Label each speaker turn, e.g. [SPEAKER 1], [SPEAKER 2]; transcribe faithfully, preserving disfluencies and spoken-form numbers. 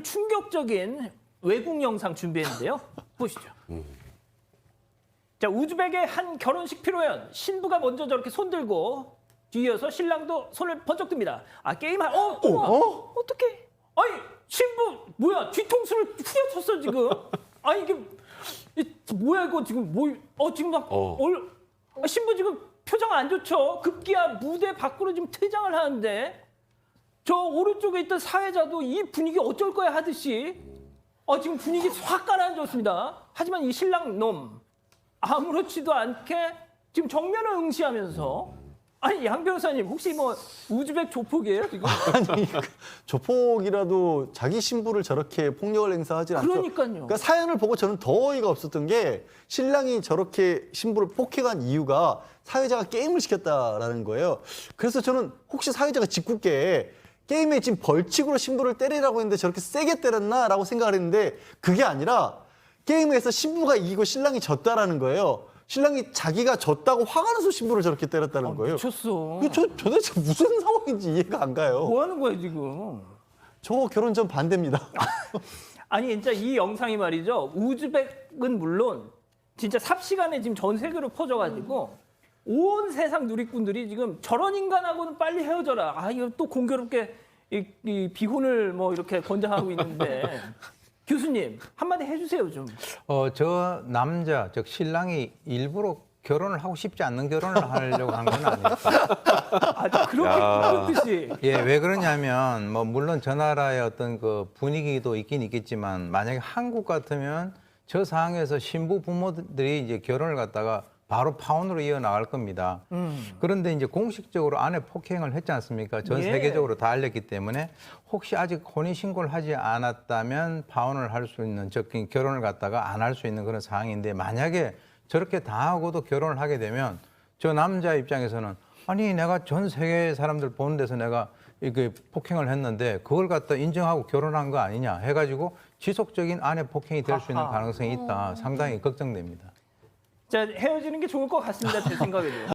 [SPEAKER 1] 충격적인 외국 영상 준비했는데요. 보시죠. 자, 우즈벡의 한 결혼식披露연 신부가 먼저 저렇게 손 들고 뒤이어서 신랑도 손을 번쩍 듭니다. 아, 게임할 어, 어머,
[SPEAKER 2] 어?
[SPEAKER 1] 어떡해? 아니, 신부 뭐야? 뒤통수를 후려쳤어 지금. 아, 이게 이, 뭐야 이거 지금 뭐? 어, 지금 막
[SPEAKER 2] 어.
[SPEAKER 1] 얼, 아, 신부 지금 표정 안 좋죠. 급기야 무대 밖으로 지금 퇴장을 하는데 저 오른쪽에 있던 사회자도 이 분위기 어쩔 거야 하듯이 어, 지금 분위기 확 가라앉았습니다. 하지만 이 신랑 놈 아무렇지도 않게 지금 정면을 응시하면서 아니 양 변호사님 혹시 뭐 우즈벡 조폭이에요 지금?
[SPEAKER 3] 아니 조폭이라도 자기 신부를 저렇게 폭력을 행사하지 않죠.
[SPEAKER 1] 그러니까요.
[SPEAKER 3] 그러니까 사연을 보고 저는 더 어이가 없었던 게 신랑이 저렇게 신부를 폭행한 이유가 사회자가 게임을 시켰다라는 거예요. 그래서 저는 혹시 사회자가 짓궂게 게임에 지금 벌칙으로 신부를 때리라고 했는데 저렇게 세게 때렸나라고 생각을 했는데 그게 아니라 게임에서 신부가 이기고 신랑이 졌다라는 거예요. 신랑이 자기가 졌다고 화가 나서 신부를 저렇게 때렸다는
[SPEAKER 1] 아,
[SPEAKER 3] 거예요.
[SPEAKER 1] 미쳤어.
[SPEAKER 3] 그 저 도대체 무슨 상황인지 이해가 안 가요.
[SPEAKER 1] 뭐 하는 거야 지금?
[SPEAKER 3] 저 결혼 전 반대입니다.
[SPEAKER 1] 아니 진짜 이 영상이 말이죠. 우즈벡은 물론 진짜 삽시간에 지금 전 세계로 퍼져가지고 온 세상 누리꾼들이 지금 저런 인간하고는 빨리 헤어져라. 아 이거 또 공교롭게 이, 이 비혼을 뭐 이렇게 권장하고 있는데 교수님 한마디 해주세요 좀.
[SPEAKER 4] 어, 저 남자, 즉 신랑이 일부러 결혼을 하고 싶지 않는 결혼을 하려고 한 건 아닐까.
[SPEAKER 1] 아 그렇게 그렇듯이.
[SPEAKER 4] 예, 왜 그러냐면 뭐 물론 저 나라의 어떤 그 분위기도 있긴 있겠지만 만약에 한국 같으면 저 상황에서 신부 부모들이 이제 결혼을 갖다가 바로 파혼으로 이어나갈 겁니다.
[SPEAKER 1] 음.
[SPEAKER 4] 그런데 이제 공식적으로 아내 폭행을 했지 않습니까? 전
[SPEAKER 1] 예.
[SPEAKER 4] 세계적으로 다 알렸기 때문에 혹시 아직 혼인신고를 하지 않았다면 파혼을 할 수 있는, 즉 결혼을 갖다가 안 할 수 있는 그런 상황인데 만약에 저렇게 당하고도 결혼을 하게 되면 저 남자 입장에서는 아니 내가 전 세계 사람들 보는 데서 내가 이게 폭행을 했는데 그걸 갖다 인정하고 결혼한 거 아니냐 해가지고 지속적인 아내 폭행이 될 수 있는
[SPEAKER 1] 아하.
[SPEAKER 4] 가능성이 있다. 상당히 걱정됩니다.
[SPEAKER 1] 자 헤어지는 게 좋을 것 같습니다 제 생각에도.